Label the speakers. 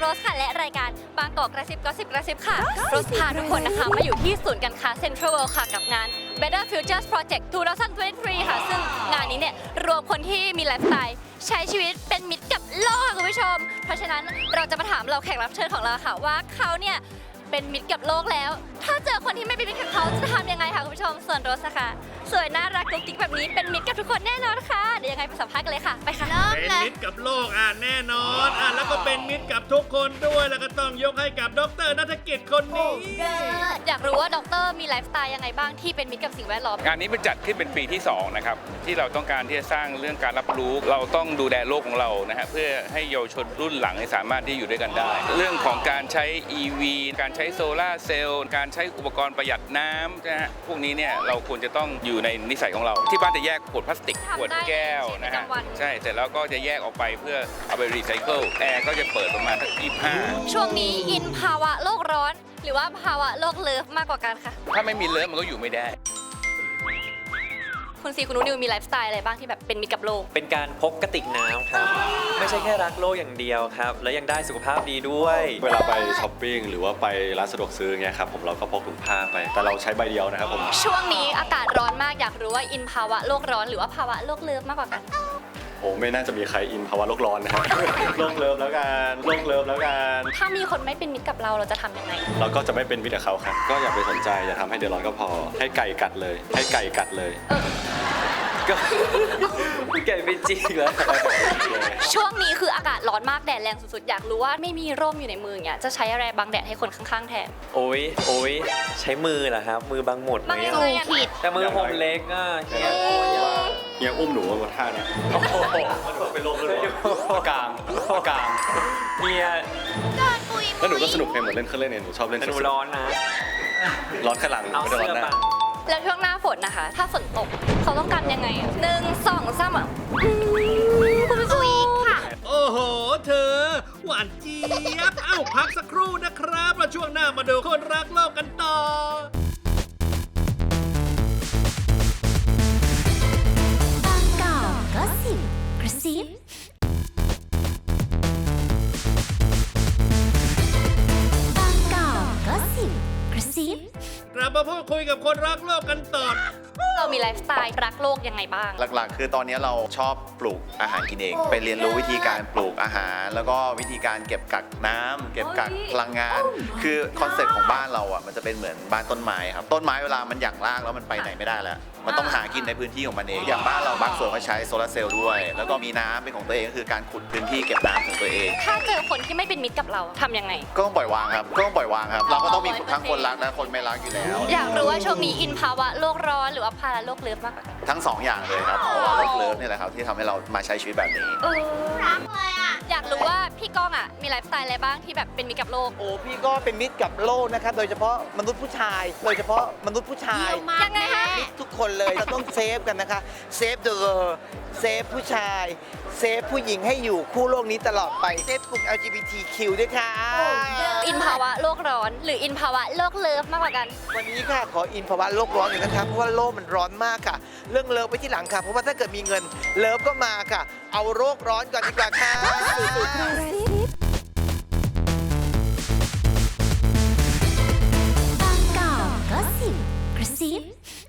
Speaker 1: โรสค่ะและรายการบางกอกกระซิบก็สิบกระซิบค่ะโรสพาทุกคนนะคะมาอยู่ที่ศูนย์การค้าเซ็นทรัลเวิลด์ค่ะกับงาน Better Futures Project 2023 ค่ะซึ่งงานนี้เนี่ยรวมคนที่มีไลฟ์สไตล์ใช้ชีวิตเป็นมิตรกับโลกค่ะคุณผู้ชมเพราะฉะนั้นเราจะมาถามเราแขกรับเชิญของเราค่ะว่าเขาเนี่ยเป็นมิตรกับโลกแล้วถ้าเจอคนที่ไม่เป็นมิตรกับเขาจะทำยังไงคะคุณผู้ชมส่วนโรสนะคะสวยน่ารักกุ๊กกิ๊กแบบนี้เป็นมิตรกับทุกคนแน่นอนค่ะเดี๋ยวยังไงไปสัมภาษณ์กันเลยค่ะไปค่ะเริ่ม
Speaker 2: เป็น
Speaker 1: เลย
Speaker 2: มิตรกับโลกแน่นอนแล้วก็เป็นมิตรกับทุกคนด้วยแล้วก็ต้องยกให้กับดร.ณัฐกิจคนนี้
Speaker 1: อยากรู้ว่าด็อกเตอร์มีไลฟ์สไตล์ยังไงบ้างที่เป็นมิตรกับสิ่งแวดล้อม
Speaker 3: งานนี้เป็นจัดขึ้นเป็นปีที่2นะครับที่เราต้องการที่จะสร้างเรื่องการรับรู้เราต้องดูแลโลกของเรานะฮะเพื่อให้เยาวชนรุ่นหลังสามารถที่อยู่ด้วยกันได้ เรื่องของการใช้ EV การใช้โซลาร์เซลล์การใช้อุปกรณ์ประหยัดน้ำนะฮะพวกนี้เนี่ยเราควรจะต้องอยู่ในนิสัยของเราที่บ้านจะแยกขวดพลาสติกขวดแก้วนะฮะใช่เสร็จแล้วก็จะแยกออกไปเพื่อเอาไปรีไซเคิลแอร์ก็จะเปิดประมาณสัก25
Speaker 1: ช่วงนี้อินภาวะโลกร้อน หรือว่าภาวะโลกเลิฟมากกว่ากันค่ะ
Speaker 3: ถ้าไม่มีเลิฟมันก็อยู่ไม่ได้
Speaker 1: คุณซีคุณนุนิวมีไลฟ์สไตล์อะไรบ้างที่แบบเป็นมิตรกับโลก
Speaker 4: เป็นการพกกระติกน้ำครับ ไม่ใช่แค่รักโลกอย่างเดียวครับ และยังได้สุขภาพดีด้วย
Speaker 5: เวลาไปช้อปปิ้งหรือว่าไปร้านสะดวกซื้อเงี้ยครับผมเราก็พกถุงผ้าไป แต่เราใช้ใบเดียวนะครับผม
Speaker 1: ช่วงนี้อากาศร้อนมากอยากรู้ว่าอินภาวะโลกร้อนหรือว่าภาวะโลกเลิฟมากกว่ากัน
Speaker 5: โอ้ไม่น่าจะมีใครอินภาวะโลกร้อนนะครับ โลกเลิฟแล้วกันโลกเลิฟแล้วกัน
Speaker 1: ถ้ามีคนไม่เป็นมิตรกับเราจะทำยังไง
Speaker 5: เราก็จะไม่เป็นมิตรกับเขาครับก็อย่าไปสนใจอย่าทำให้เดือดร้อนก็พอให้ไก่กัดเลยให้ไก่กัดเลย
Speaker 4: ก็ไก่เป็นจริงแล้ว
Speaker 1: ช่วงนี้คืออากาศร้อนมากแดดแรงสุดๆอยากรู้ว่าไม่มีร่มอยู่ในมืออย่างเงี้ยจะใช้อะไรบังแดดให้คนข้างๆแทน
Speaker 4: โอ้ยใช้มือเหรอครับ มือบังหมดไหม
Speaker 1: บังยัง
Speaker 4: อะ
Speaker 1: ไงอะผิด
Speaker 4: แต่มือผมเล็กอ่ะเฮีย
Speaker 5: เฮียอุ้มหนูมาท่าเนี้ย
Speaker 4: โอ้โห
Speaker 5: มันก็เป็นโลกเลยกลาง
Speaker 4: เฮีย
Speaker 5: แล้วหนูก็สนุกเพลงเหมือนเล่นเครื่องเล่นเนี่ยหนูชอบเล่น
Speaker 4: แต่หนูร้อนนะ
Speaker 5: ร้อนข้างหลัง
Speaker 4: เอา
Speaker 5: ไม่ได้
Speaker 4: เสื้
Speaker 5: ร้
Speaker 4: อ
Speaker 5: อนหน้า
Speaker 4: บัง
Speaker 1: แล้วช่วงหน้าฝนนะคะ ถ้าฝนตกเขาต้องกันยังไงอะ1 2 3อ่ะคุณผู้ชมค่ะ
Speaker 2: โอ้โหเธอหวานเจี๊ยบพักสักครู่นะครับแล้วช่วงหน้ามาดูคนรักโลกกันต่อ
Speaker 6: บางกอกก็สิบกระซิบางกอกก็สิบกระซิบ
Speaker 2: กลับมาพูดคุยกับคนรักโลกกันต่อ
Speaker 1: เรามีไลฟ์สไตล์รักโลกยังไงบ้าง
Speaker 7: หลักๆ คือตอนนี้เราชอบปลูกอาหารกินเอง ไปเรียนรู้วิธีการปลูกอาหาร แล้วก็วิธีการเก็บกักน้ำเก็บกักพลังงาน คือคอนเซ็ปต์ของบ้านเราอ่ะมันจะเป็นเหมือนบ้านต้นไม้ครับต้นไม้เวลามันหยั่งรากแล้วมันไปไหนไม่ได้แล้วมันต้องหากินในพื้นที่ของมันเองอย่างบ้านเราบางส่วนก็ใช้โซลาร์เซลล์ด้วย แล้วก็มีน้ำเป็นของตัวเองก็คือการขุดพื้นที่เก็บน้ำของตัวเอง
Speaker 1: ถ้าเจอคนที่ไม่เป็นมิตรกับเราทำยังไง
Speaker 7: ก็ต้องปล่อยวางครับเราก็ต้องมีทั้งคนรักและคนไม่รักอยู่แล้ว
Speaker 1: อยากรู้ว่าช่วงนี้อินภาวะโลกร้อนหรือว่าภาวะโลกเลิฟมากกว่ากัน
Speaker 7: ทั้งสองอย่างเลยครับเพราะว่าโลกเลิฟนี่แหละครับที่ทำให้เรามาใช้ชีวิตแบบนี้
Speaker 1: รักเลยอ่ะอยากรู้ว่าพี่ก้องอ่ะมีไลฟ์สไตล์อะไรบ้างที่แบบเป็นมิตรกับโลก
Speaker 8: โอ้พี่ก็เป็นมิตรกับโลกนะครับโดยเฉพาะมนุษย์ผู้ชาย
Speaker 1: ยังไงคะ
Speaker 8: ทุกคนเลยเราต้องเซฟกันนะคะเซฟเดอะเซฟผู้ชายเซฟผู้หญิงให้อยู่คู่โลกนี้ตลอดไปเซฟกลุ่ม LGBTQ ด้วยค่ะ
Speaker 1: อินภาวะโลกร้อนหรืออินภาวะโลกเลิฟมากกว่ากัน
Speaker 8: วันนี้ค่ะขออินภาวะโลกร้อนอยู่นะคะเพราะว่าโลกมันร้อนมากค่ะ เรื่องเลิฟไปที่หลังค่ะ เพราะว่าถ้าเกิดมีเงินเลิฟก็มาค่ะ เอาโรคร้อนก่อนดีกว่าค่ะ
Speaker 6: บางกอกก็สิบกระซิบ